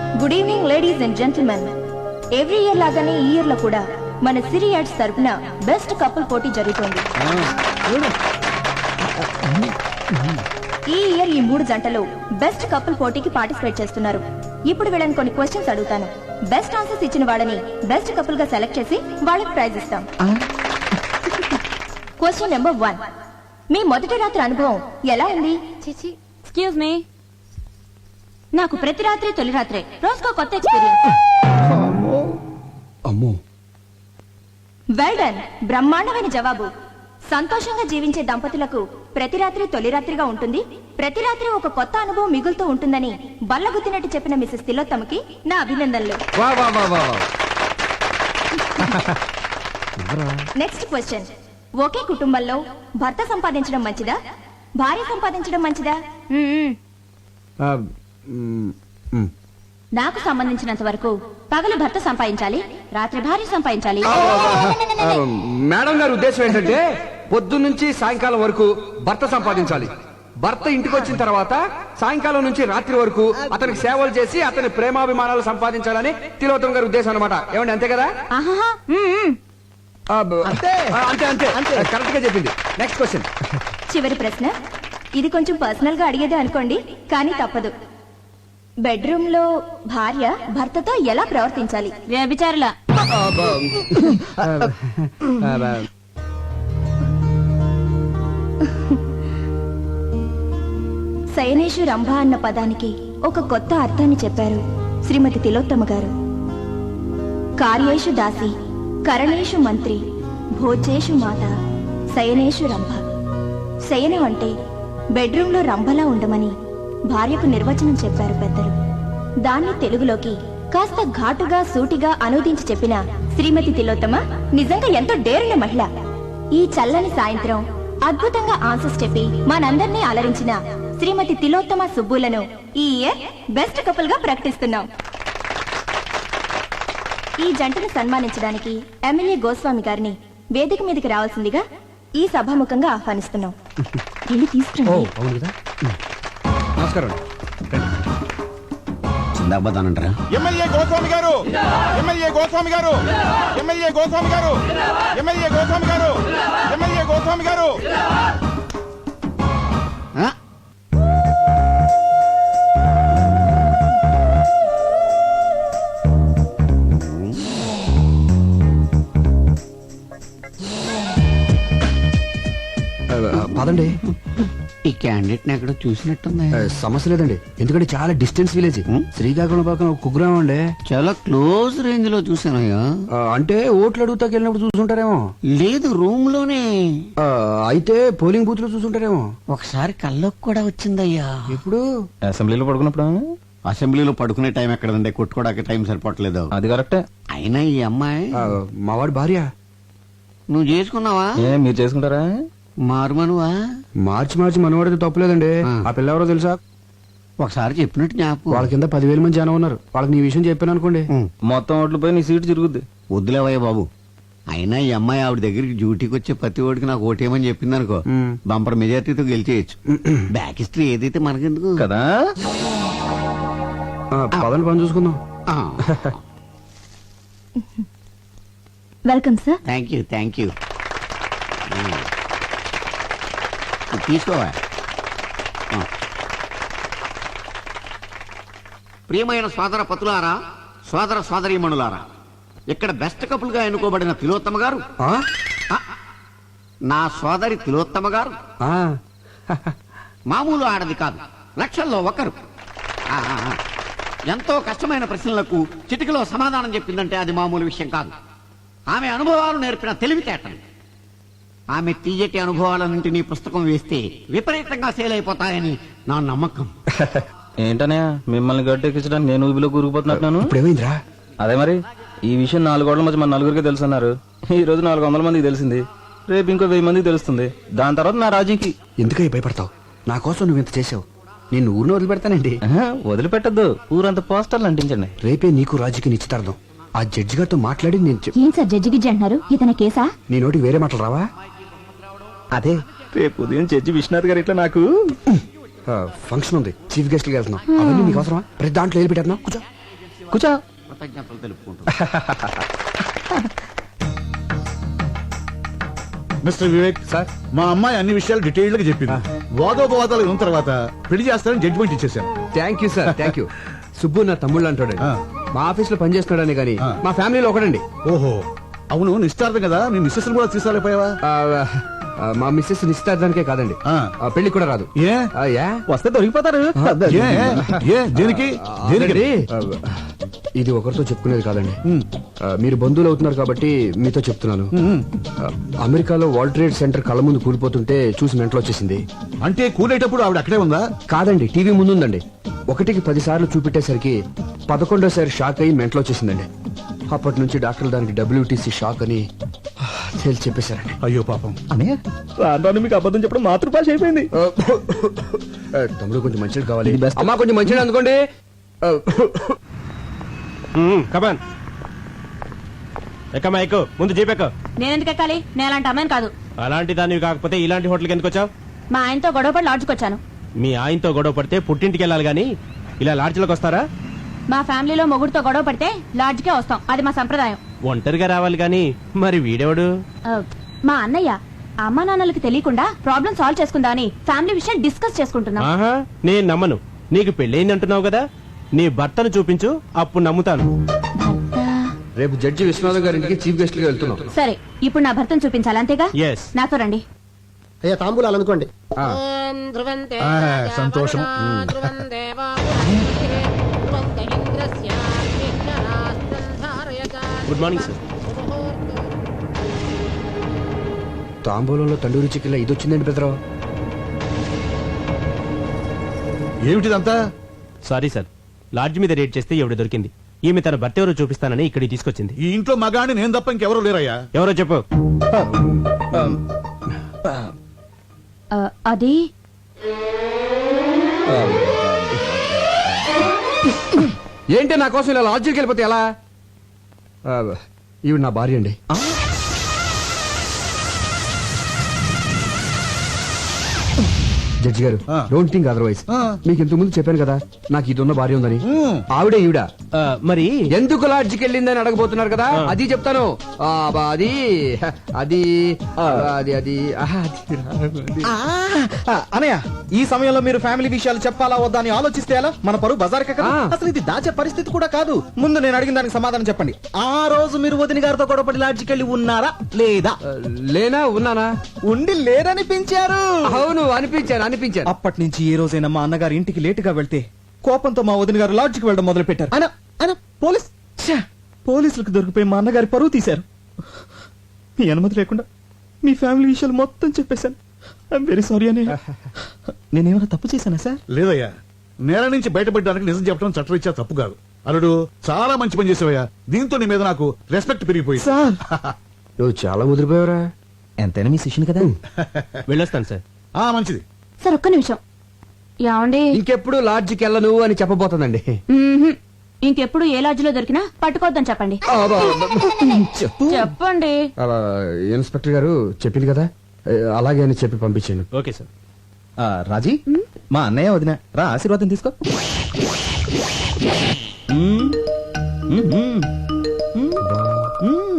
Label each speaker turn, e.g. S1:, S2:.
S1: Good evening ladies and gentlemen. Every year లాగానే ఈ year లో కూడా మన సిరి యాడ్స్ తరపున బెస్ట్ కపుల్ పోటీ జరుగుతోంది. ఈ ఇయర్ ఈ 3 జంటలు బెస్ట్ కపుల్ పోటీకి పార్టిసిపేట్ చేస్తున్నారు. ఇప్పుడు వీళ్ళని కొన్ని క్వశ్చన్స్ అడుగుతాను. బెస్ట్ ఆన్సర్స్ ఇచ్చిన వాళ్ళని బెస్ట్ కపుల్ గా సెలెక్ట్ చేసి వాళ్ళకి ప్రైజ్ ఇస్తాం. Question number 1. మీ మొదటి రాత్రి అనుభవం ఎలా ఉంది?
S2: ఎక్స్క్యూజ్ మీ,
S1: నాకు ప్రతి రాత్రి తొలి రాత్రే, రోజుకో కొత్త ఎక్స్పీరియన్స్.
S3: అమ్మో,
S1: వెల్ డన్, బ్రహ్మాండమైన జవాబు. సంతోషంగా జీవించే దంపతులకు ప్రతి రాత్రి తొలి రాత్రిగా ఉంటుంది, ప్రతి రాత్రి ఒక కొత్త అనుభవం మిగులుతూ ఉంటుందని బల్లగుద్దినట్టు చెప్పిన మిసెస్ తిలోత్తమకి నా అభినందనలు. Next question. ఒకే కుటుంబంలో భర్త సంపాదించడం మంచిదా, భార్య సంపాదించడం మంచిదా? నాకు సంబంధించినంత వరకు పగలు భర్త సంపాదించాలి, రాత్రి భార్య సంపాదించాలి.
S3: మేడం గారి ఉద్దేశం ఏంటంటే పొద్దున్నుంచి సాయంకాలం వరకు భర్త సంపాదించాలి, భర్త ఇంటికి వచ్చిన తర్వాత సాయంకాలం నుంచి రాత్రి వరకు అతనికి సేవలు చేసి అతని ప్రేమాభిమానాలు సంపాదించాలని తిలోత్తమ గారి ఉద్దేశం అన్నమాట. ఏమండి, అంతే కదా? అంతే అంతే అంతే, కరెక్ట్ గా చెప్పింది. Next question.
S1: చివరి ప్రశ్న. ఇది కొంచెం పర్సనల్ గా అడిగేదే అనుకోండి, కానీ తప్పదు. బెడ్రూమ్ లో భార్య భర్తతో ఎలా ప్రవర్తించాలి?
S2: వ్యభిచారులా?
S1: శయనేషు రంభ అన్న పదానికి ఒక కొత్త అర్థాన్ని చెప్పారు శ్రీమతి తిలోత్తమ గారు. కార్యేషు దాసి, కరణేషు మంత్రి, భోజేషు మాత, శయనేషు రంభ. శయనం అంటే బెడ్రూమ్ లో రంభలా ఉండమని భార్యకు నిర్వచనం చెప్పారు పెద్దలు. దాన్ని తెలుగులోకి కాస్త ఘాటుగా సూటిగా అనువదించి చెప్పిన శ్రీమతి తిలోత్తమ నిజంగా ఎంతో డేరున్న మహిళ. ఈ చల్లని సాయంత్రం అద్భుతంగా ఆన్సర్స్ చెప్పి మనందర్నీ అలరించిన శ్రీమతి తిలోత్తమ సుబ్బులను ఈ ఇయర్ బెస్ట్ కపుల్ గా ప్రకటిస్తున్నాం. ఈ జంటను సన్మానించడానికి ఎమ్మెల్యే గోస్వామి గారిని వేదిక మీదకి రావాల్సిందిగా ఈ సభాముఖంగా ఆహ్వానిస్తున్నాం. వెళ్ళి తీసుకురండి.
S3: నమస్కారం.
S4: చిందాబాదానంటారా?
S5: ఎమ్మెల్యే గోస్వామి గారు, ఎమ్మెల్యే గోస్వామి గారు, ఎమ్మెల్యే గోస్వామి గారు, ఎమ్మెల్యే గోస్వామి గారు, ఎమ్మెల్యే గోస్వామి గారు.
S3: పదండి.
S4: ఈ క్యాండిడేట్ ఎక్కడో చూసినట్టుంది.
S3: సమస్య లేదండి, ఎందుకంటే చాలా డిస్టెన్స్ విలేజ్. శ్రీకాకుళం పక్కన ఒక కుగ్రామం అండి.
S4: చాలా క్లోజ్ రేంజ్ లో చూసానయ్యా.
S3: అంటే ఓట్లు అడుగుతాకి వెళ్ళినప్పుడు చూసుంటారేమో.
S4: లేదు, రూమ్ లోనే.
S3: అయితే పోలింగ్ బూత్ లో చూసుంటారేమో.
S4: ఒకసారి కళ్ళకు కూడా వచ్చిందయ్యా.
S3: ఎప్పుడు?
S5: అసెంబ్లీలో పడుకున్నప్పుడు.
S4: అసెంబ్లీలో పడుకునే టైం ఎక్కడండి, కొట్టుకోవడానికి టైం సరిపోవట్లేదు.
S5: అది కరెక్టే.
S4: అయినా ఈ అమ్మాయి
S3: మావాడి భార్య.
S4: నువ్వు చేసుకున్నావా?
S5: మీరు చేసుకుంటారా?
S4: మారుమనువా?
S3: మార్చి మనవాడితే తప్పులేదండి. ఆ పిల్ల ఎవరో తెలుసా?
S4: ఒకసారి చెప్పినట్టు జ్ఞాపకం.
S3: వాళ్ళ కింద 10,000 మంది జనం ఉన్నారు. వాళ్ళకి నీ విషయం చెప్పాను అనుకోండి,
S5: మొత్తం ఓట్లు పోయి నీ సీటు తిరుగుద్ది.
S4: వద్దులేవయ్య బాబు. అయినా ఈ అమ్మాయి ఆవిడ దగ్గరికి డ్యూటీకి వచ్చే ప్రతి ఓడికి నాకు ఓటేమని చెప్పింది అనుకో, బంపర్ మెజార్టీతో గెలిచేయచ్చు. బ్యాక్ హిస్టరీ ఏదైతే మనకెందుకు
S5: కదా.
S3: పదని పని చూసుకుందాం.
S1: Welcome sir.
S4: Thank you. తీసుకోవా. ప్రియమైన సోదర పతులారా, సోదర సోదరీమణులారా, ఇక్కడ బెస్ట్ కపుల్ గా ఎన్నుకోబడిన తిలోత్తమ గారు, నా సోదరి తిలోత్తమ గారు మామూలు ఆడది కాదు, లక్షల్లో ఒకరు. ఎంతో కష్టమైన ప్రశ్నలకు చిటికలో సమాధానం చెప్పిందంటే అది మామూలు విషయం కాదు. ఆమె అనుభవాలు నేర్పిన తెలివితేటలు. ఆమె తీయటి అనుభవాలన్నింటినీ పుస్తకం వేస్తే విపరీతంగా సేల్ అయిపోతాయని నా నమ్మకం.
S5: ఏంటనే మిమ్మల్ని గట్టెక్కించడానికి నేను ఊబిలో కూరుకుపోతున్నట్టున్నాను.
S3: ఇప్పుడేమైందిరా?
S5: అదే మరి, ఈ విషయం 4 గోడల మధ్య మన నలుగురికి తెలుసున్నారు. ఈ రోజు 400 మందికి తెలిసింది, రేపు ఇంకో 1000 మందికి తెలుస్తుంది. దాని తర్వాత నా రాజీకి.
S3: ఎందుకై భయపడతావు? నా కోసం నువ్వు ఇంత చేసావు, నేను ఊరిని వదిలిపెడతానండి.
S5: వదిలిపెట్టద్దు, ఊరంతా పోస్టర్లు అంటించండి.
S3: రేపే నీకు రాజుకి నిశ్చితార్థం. ఆ జడ్జి గారితో మాట్లాడి నేను
S1: ఏం సార్ జడ్జి గిడ్జి అంటున్నారు? ఇతని కేసా?
S3: నీ నోటికి వేరే మాటలు రావా?
S5: అదే రేపు ఉదయం జడ్జి విశ్వనాథ్ గారు ఇట్లా నాకు
S3: ఫంక్షన్ ఉంది, చీఫ్ గెస్ట్ కి వెళ్తున్నాం. అవన్నీ నీకు అవసరమా? ప్రతి దాంట్లో వెళ్ళి పెట్టేస్తున్నావు. కూర్చో.
S5: కూర్చో.
S4: కృతజ్ఞతలు తెలుపుకుంటూ
S6: మిస్టర్ వివేక్
S3: సార్.
S6: మా అమ్మాయి అన్ని విషయాలు డీటెయిల్డ్ గా చెప్పింది. వాదోపవాదాలు విన్న తర్వాత పెళ్లి చేస్తానని జడ్జిమెంట్ ఇచ్చేసాను.
S3: Thank you sir, thank you. Subbu నా తమ్ముళ్ళు అంటాడు.
S6: ఆ.
S3: మా ఆఫీస్ లో పనిచేస్తున్నాడని కానీ
S6: ఆ.
S3: మా ఫ్యామిలీలో ఒకడండి.
S6: ఓహో, అవును నిశ్చార్థం కదా, నీ మిస్సెస్ కూడా తీసుకురాలేపోయావా?
S3: మా మిస్సెస్ నిశ్చితార్థానికే కాదండి,
S6: ఆ.
S3: పెళ్లి కూడా రాదు.
S6: ఏ
S3: యా?
S5: వస్తే దొరికిపోతారు.
S6: ఏ ఏ దేనికి దేనికి?
S3: అదండి, ఇది ఒకరితో చెప్పుకునేది కాదండి.
S6: ఉమ్.
S3: మీరు బంధువులు అవుతున్నారు కాబట్టి మీతో చెప్తున్నాను.
S6: ఉమ్.
S3: అమెరికాలో వరల్డ్ ట్రేడ్ సెంటర్ కళ్ళ ముందు కూలిపోతుంటే చూసి మెంటలు వచ్చేసింది.
S6: అంటే కూలేటప్పుడు ఆవిడ అక్కడే ఉందా?
S3: కాదండి, టీవీ ముందు ఉందండి. 1కి 10 సార్లు చూపెట్టేసరికి 11వ షాక్ అయ్యి మెంటలు వచ్చేసిందండి. అప్పటి నుంచి డాక్టర్లు దానికి WTC షాక్ అని తేల్చి చెప్పేశారండి.
S6: అయ్యో పాపం.
S5: అనే రాను మీకు అబద్ధం చెప్పడం మాతృభాష అయిపోయింది.
S3: తమ్ముడు కొంచెం మంచిది కావాలి.
S5: ఇది best.
S3: అమ్మా కొంచెం మంచిది అనుకోండి.
S7: కమాన్ ఎక్కమ్మా ఎక్కు, ముందు జీపెక్కు.
S2: నేనెందుకు ఎక్కాలి? నేను అలాంటి అమ్మాయిని కాదు.
S7: అలాంటి దానివి కాకపోతే ఇలాంటి హోటల్కి ఎందుకు వచ్చావు?
S2: మా ఆయనతో గొడవపడి లాడ్జ్కి వచ్చాను.
S7: మీ ఆయనతో గొడవ పడితే పుట్టింటికి వెళ్ళాలి గాని ఇలా లాడ్జ్లోకి వస్తారా?
S2: మా ఫ్యామిలీలో మొగుడుతో గొడవ పడితే లాడ్జ్కే వస్తాం, అది మా సంప్రదాయం.
S7: ఒంటరిగా రావాలి గాని మరి వీడెవడు?
S2: మా అన్నయ్య అమ్మా నాన్నలకి తెలియకుండా ప్రాబ్లం సాల్వ్ చేసుకుందా అని ఫ్యామిలీ విషయం డిస్కస్ చేసుకుంటున్నాం.
S7: ఆహా, నేను నమ్మను. నీకు పెళ్ళయింది అంటున్నావు కదా, నీ భర్తను చూపించు, అప్పుడు నమ్ముతాను.
S3: రేపు జడ్జి విశ్వనాథం గారింటికి చీఫ్ గెస్ట్ గా వెళ్తున్నాం.
S2: సరే, ఇప్పుడు నా భర్తను చూపించాలి, అంతేగా?
S7: Yes.
S2: నాతో రండి.
S8: అయ్యా తాంబూలాలు అనుకోండి.
S3: ఆ.
S6: సంతోషం.
S7: Good morning sir.
S3: తాంబూలంలో తండూరి చికెన్ ఇది వచ్చిందండి పెద్దరావు.
S6: ఏమిటిదంతా?
S7: సారీ సార్, లాడ్జ్ మీద రేట్ చేస్తే ఎవడు దొరికింది. ఈమె తన భర్త ఎవరో చూపిస్తానని ఇక్కడికి తీసుకొచ్చింది.
S6: ఈ ఇంట్లో మగాడిని నేను తప్ప ఇంకెవరూ లేరయ్యా.
S7: ఎవరో చెప్పు.
S2: అది
S3: ఏంటి నా కోసం ఇలా లాడ్జికి వెళ్ళిపోతే ఎలా? ఈవిడ నా భార్య అండి. జడ్జి గారు,
S6: ఆ.
S3: Don't think otherwise.
S6: ఆ.
S3: మీకు ఇంతకు ముందు చెప్పాను కదా నాకు ఇది ఉన్న భార్య ఉందని.
S6: ఉమ్.
S3: ఆవిడే ఈవిడ.
S7: మరి
S3: ఎందుకు లాడ్జికి వెళ్ళిందని అడగబోతున్నారు కదా, అది చెప్తాను. అది అది అది అది ఆహా, అది.
S5: అనయ్య, ఈ సమయంలో మీరు ఫ్యామిలీ విషయాలు చెప్పాలా వద్దా అని ఆలోచిస్తే ఎలా? మన పరువు బజార్కే కదా.
S3: ఆ.
S5: అసలు ఇది దాచే పరిస్థితి కూడా కాదు. ముందు నేను అడిగిన దానికి సమాధానం చెప్పండి. ఆ రోజు మీరు వదిన గారితో గొడవపడి లాడ్జికి వెళ్ళి ఉన్నారా లేదా?
S3: లేనా ఉన్నానా?
S5: ఉండి లేరనిపించారు.
S3: అవును, అనిపించాను అనిపించాను.
S5: అప్పటి నుంచి ఏ రోజైనా మా అన్నగారి ఇంటికి లేటుగా వెళ్తే కోపంతో మా వదిన గారు లాడ్జికి వెళ్ళడం మొదలు పెట్టారు. పోలీసులకు దొరికిపోయి మా అన్నగారి పరువు తీశారు. మీ అనుమతి లేకుండా మీ ఫ్యామిలీ విషయాలు మొత్తం చెప్పేశాను. ఐఎమ్ వెరీ సారీ అని. నేనేమైనా తప్పు చేశానా సార్?
S6: లేదయ్యా, నేల నుంచి బయటపడడానికి నిజం చెప్పడం చట్టరీత్యా తప్పు కాదు. అల్లుడు చాలా మంచి పని చేసావయ్యా. దీంతో నీ మీద నాకు రెస్పెక్ట్ పెరిగిపోయింది.
S5: సార్,
S3: నువ్వు చాలా ముదిరిపోయావురా.
S5: ఎంతైనా మీ శిష్యుని కదా.
S7: వెళ్ళొస్తాను సార్.
S6: మంచిది.
S2: సార్ ఒక్క నిమిషం. ఏమండి,
S3: ఇంకెప్పుడు లాడ్జికి వెళ్ళను అని చెప్పబోతుందండి.
S2: మ్మ్హ్మ్. ఇంకెప్పుడు ఏ లాడ్జ్లో దొరికినా పట్టుకోవద్దని చెప్పండి. చెప్పండి.
S3: ఇన్స్పెక్టర్ గారు చెప్పింది కదా, అలాగే అని చెప్పి పంపించాను.
S7: Okay sir.
S5: రాజీ, మా అన్నయ్య వదిన రా, ఆశీర్వాదం తీసుకో.